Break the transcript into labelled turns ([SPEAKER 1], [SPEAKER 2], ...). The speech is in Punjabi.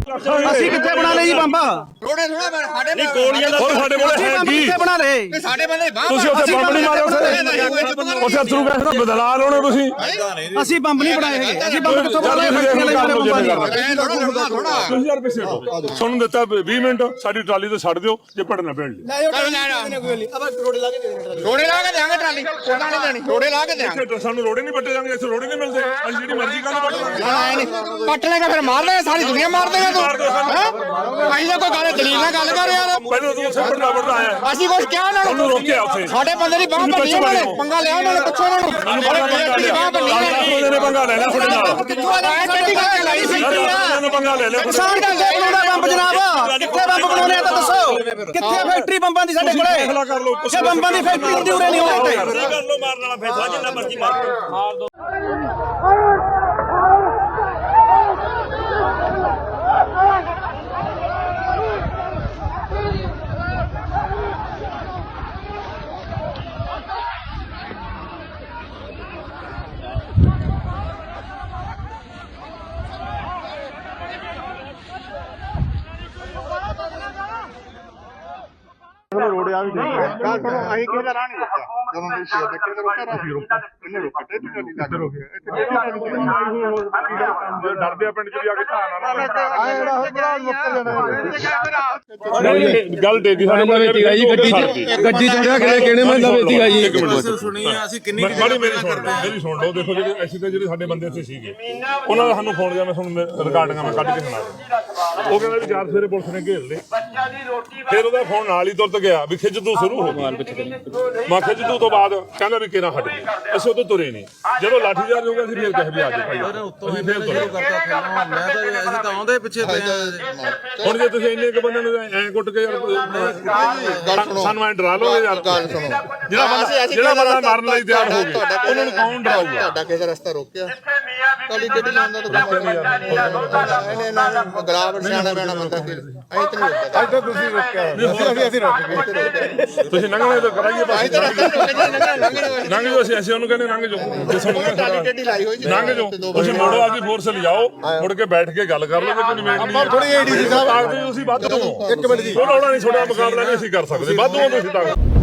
[SPEAKER 1] ਅਸੀਂ ਕਿੱਥੇ ਬਣਾ ਲਏ ਜੀ ਬੰਬ?
[SPEAKER 2] ਥੋੜੇ ਥੋੜਾ ਸਾਡੇ
[SPEAKER 3] ਨਹੀਂ ਗੋਲੀਆਂ ਦਾ
[SPEAKER 4] ਸਾਡੇ ਕੋਲ
[SPEAKER 1] ਅਸੀਂ
[SPEAKER 4] ਹੈ
[SPEAKER 1] ਬੰਬ
[SPEAKER 4] ਕੀ
[SPEAKER 1] ਕਿੱਥੇ ਬਣਾ ਲਏ?
[SPEAKER 2] ਸਾਡੇ ਬੰਦੇ ਬਾਹਰ
[SPEAKER 4] ਤੁਸੀਂ ਉੱਥੇ ਬੰਬ ਨਹੀਂ ਮਾਰੇ ਉੱਥੇ ਅਥਰੂ ਗੈਸ ਦਾ ਬਦਲਾ ਲਾਉਣੇ ਤੁਸੀਂ
[SPEAKER 1] ਅਸੀਂ ਬੰਬ ਨਹੀਂ ਬਣਾਏ ਹੈਗੇ। ਅਸੀਂ ਬੰਬ ਕਿੱਥੋਂ ਬਣਾ ਲਏ? ਫੈਕਟਰੀਆਂ ਵਾਲੇ ਮਾਰੇ ਬੰਬਾਂ ਦੀਆਂ।
[SPEAKER 2] ਥੋੜਾ
[SPEAKER 4] 2000 ਰੁਪਏ ਛੱਡੋ ਤੁਹਾਨੂੰ ਦਿੱਤਾ 20 ਮਿੰਟ ਸਾਡੀ ਟਰਾਲੀ ਤੇ ਛੱਡ ਦਿਓ ਜੇ ਪੜਨਾ ਪੈਣ ਲਈ
[SPEAKER 2] ਰੋੜੇ ਲਾ ਕੇ ਦੇਾਂਗੇ ਟਰਾਲੀ ਉਹਨਾਂ ਨੇ ਦੇਣੀ ਰੋੜੇ ਲਾ ਕੇ ਦੇਾਂਗੇ
[SPEAKER 4] ਇੱਥੇ ਸਾਨੂੰ ਰੋੜੇ ਨਹੀਂ ਪੱਟੇ ਜਾਂਗੇ ਇੱਥੇ ਰੋੜੇ ਨਹੀਂ ਮਿਲਦੇ ਅਸੀਂ ਜਿਹੜੀ ਮਰਜ਼ੀ ਕਰਨ ਪੱਟ
[SPEAKER 2] ਪੱਟ ਲੇਗਾ ਫਿਰ ਮਾਰ ਲੇਗਾ ਸਾਰੀ ਦੁਨੀਆ ਮਾਰ ਦੇਗਾ ਤੂੰ ਅਸੀਂ ਤਾਂ ਕੋਈ ਗੱਲ ਦਲੀਲ ਨਾਲ ਗੱਲ ਕਰ ਯਾਰ
[SPEAKER 4] ਪਹਿਲਾਂ ਤੂੰ ਉੱਥੇ ਪੜਨਾ ਆਇਆ
[SPEAKER 2] ਅਸੀਂ ਕੁਝ ਕਿਹਾ ਉਹਨਾਂ
[SPEAKER 4] ਉਹਨੂੰ ਰੋਕਿਆ ਉੱਥੇ
[SPEAKER 2] ਸਾਡੇ ਬੰਦੇ ਦੀ ਬਾਹ ਭੰਨੀ ਉਹਨਾਂ ਨੇ ਪੰਗਾ ਲਿਆ ਉਹਨਾਂ ਨੇ ਪੁੱਛੋ ਉਹਨਾਂ ਨੂੰ ਬਾਹ ਭੰਨੀ
[SPEAKER 4] ਉਹਨੇ ਪੰਗਾ ਲੈ ਲਿਆ ਤੁਹਾਡੇ ਨਾਲ
[SPEAKER 2] ਕਿੱਥੋਂ ਆਇਆ ਟੱਟੀ ਕਰਕੇ ਲਾਈ ਸੀ
[SPEAKER 4] ਉਹਨੇ ਪੰਗਾ ਲੈ ਲਿਆ
[SPEAKER 1] ਕਿਸਾਨ ਕਿੱਥੇ ਬਣਾਉਂਦਾ ਬੰਬ ਜਨਾਬ? ਕਿੱਥੇ ਬੰਬ ਬਣਾਉਣੇ ਆ ਤਾਂ ਦੱਸੋ। ਕਿੱਥੇ ਫੈਕਟਰੀ ਬੰਬਾਂ ਦੀ ਸਾਡੇ ਕੋਲੇ?
[SPEAKER 4] ਕਰ ਲਓ
[SPEAKER 1] ਜੇ ਬੰਬਾਂ ਦੀ ਫੈਕਟਰੀ ਹੁੰਦੀ ਉਰੇ ਨਹੀਂ ਹੋਣੀ
[SPEAKER 3] ਕਰ ਲੋ ਮਾਰਨ ਵਾਲਾ ਫੈਸਲਾ ਜਿੰਨਾ ਮਰਜ਼ੀ ਮਾਰ ਦੋ
[SPEAKER 5] ਰੋੜਿਆ ਵੀ ਨਹੀਂ ਗੱਲ ਸੁਣੋ ਅਸੀਂ ਕਿਸੇ ਦਾ ਰਾਹ ਨਹੀਂ ਰੋਕਿਆ ਜਦੋਂ ਦੇ ਸ਼ੇਰ ਦੇ ਕਿਸੇ ਰੋਕਿਆ ਰਾਹ ਇਹਨੇ ਰੋਕਿਆ ਤੇ ਟੱਲੀ ਲੱਗ ਰੋਕਿਆ ਇੱਥੇ
[SPEAKER 4] ਡਰਦੇ ਆ ਪਿੰਡ ਚ ਵੀ ਆ ਕੇ ਧਾਨ
[SPEAKER 5] ਆ ਜਿਹੜਾ ਬੜਾ ਮੁੱਕਰ ਜਾਣਾ
[SPEAKER 4] ਗੱਲ ਡੇਗੀ ਸਾਡੇ ਕੋਲ ਵੇਚੀਗਾ ਜੀ
[SPEAKER 6] ਗੱਡੀ ਚੜਿਆ ਕਿਹੜੇ ਮੈਂ ਵੇਚੀਗਾ ਜੀ
[SPEAKER 4] ਇੱਕ ਮਿੰਟ ਸੁਣੀ ਅਸੀਂ ਕਿੰਨੀ ਮੇਰੀ ਸੁਣ ਲਓ ਦੇਖੋ ਜਿਹੜੇ ਅਸੀਂ ਤੇ ਜਿਹੜੇ ਸਾਡੇ ਬੰਦੇ ਇੱਥੇ ਸੀਗੇ ਉਹਨਾਂ ਦਾ ਸਾਨੂੰ ਫੋਨ ਗਿਆ ਮੈਂ ਤੁਹਾਨੂੰ ਰਿਕਾਰਡਿੰਗਾਂ ਮੈਂ ਕੱਢ ਕੇ ਸੁਣਾ ਦਿੰਦਾ ਉਹ ਕਹਿੰਦਾ ਵੀ 4 ਸਵੇਰੇ ਪੁਲਿਸ ਨੇ ਘੇਰ ਲਏ ਫਿਰ ਉਹਦਾ ਫੋਨ ਨਾਲ ਹੀ ਤੁਰਤ ਗਿਆ ਵੀ ਖਿੱਚਦੂ ਸ਼ੁਰੂ ਹੋ ਗਈ ਮੈਂ ਖਿੱਚਦੂ ਤੋਂ ਬਾਅਦ ਕਹਿੰਦਾ ਵੀ ਕਿਹਨਾਂ ਹਟ ਗਈ ਅਸੀਂ ਉਦੋਂ ਤੁਰੇ ਨਹੀਂ ਜਦੋਂ ਲਾਠੀਚਾਰਜ ਹੋ ਗਿਆ ਅਸੀਂ ਫਿਰ ਕਹੇ ਵੀ ਆ ਜਾਓ ਭਾਈ ਅਸੀਂ ਫਿਰ ਤੁਰੇ
[SPEAKER 6] ਅਸੀਂ ਤਾਂ ਆਉਂਦੇ ਪਿੱਛੇ ਪਏ
[SPEAKER 4] ਹੁਣ ਜੇ ਤੁਸੀਂ ਇੰਨੇ ਕੁ ਬੰਦੇ ਨੂੰ ਐਂ ਕੁੱਟ ਕੇ ਯਾਰ ਸਾਨੂੰ ਐਂ ਡਰਾ ਲੋਗੇ ਯਾਰ ਜਿਹੜਾ ਬੰਦਾ ਮਾਰਨ ਲਈ ਤਿਆਰ ਹੋ ਗਿਆ ਉਹਨਾਂ ਨੂੰ ਕੌਣ ਡਰਾਊਗਾ
[SPEAKER 5] ਤੁਹਾਡਾ ਕਿਸੇ ਰਸਤਾ ਰੋਕਿਆ ਤੁਹਾਡੀ ਗੱਡੀ ਲਾਉਂਦਾ ਤਾਂ ਇਹਨੇ ਨਾ ਗਰਾਵਟ ਸਿਆਣਾ ਬੈਣਾ ਬੰਦਾ ਕਿ ਅਸੀਂ ਤਾਂ ਨਹੀਂ ਰੋਕਿਆ ਅੱਜ ਤਾਂ ਤੁਸੀਂ ਰੋਕਿਆ ਅਸੀਂ ਰੁਕ ਗਏ
[SPEAKER 4] ਤੁਸੀਂ ਲੰਘਣੇ ਤਾਂ ਕਰਾਈਏ ਬਸ ਲੰਘ ਜਾਓ ਅਸੀਂ ਉਹਨੂੰ ਕਹਿੰਦੇ ਲੰਘ ਜਾਓ ਜੇ ਸਾਨੂੰ
[SPEAKER 5] ਤੁਹਾਡੀ ਗੱਡੀ ਲਾਈ ਹੋਈ
[SPEAKER 4] ਲੰਘ ਜਾਓ ਤੁਸੀਂ ਮੋੜੋ ਆਪਦੀ ਫੋਰਸ ਲਿਜਾਓ ਮੁੜ ਕੇ ਬੈਠ ਕੇ ਗੱਲ ਕਰ ਲਓਗੇ ਕੋਈ ਨਿਵੇੜ ਨਹੀਂ
[SPEAKER 5] ਥੋੜੀ ਏਡੀਸੀ ਸਾਹਿਬ
[SPEAKER 4] ਆਖਦੇ ਤੁਸੀਂ ਵੱਧ ਹੋ
[SPEAKER 5] ਇੱਕ ਮਿੰਟ ਜੀ
[SPEAKER 4] ਕੋਈ ਲੋੜਾ ਨਹੀਂ ਛੋਟਾ ਮੁਕਾਬਲਾ ਨਹੀਂ ਅਸੀਂ ਕਰ ਸਕਦੇ ਵੱਧ ਹੋ ਤੁਸੀਂ ਤਾਂ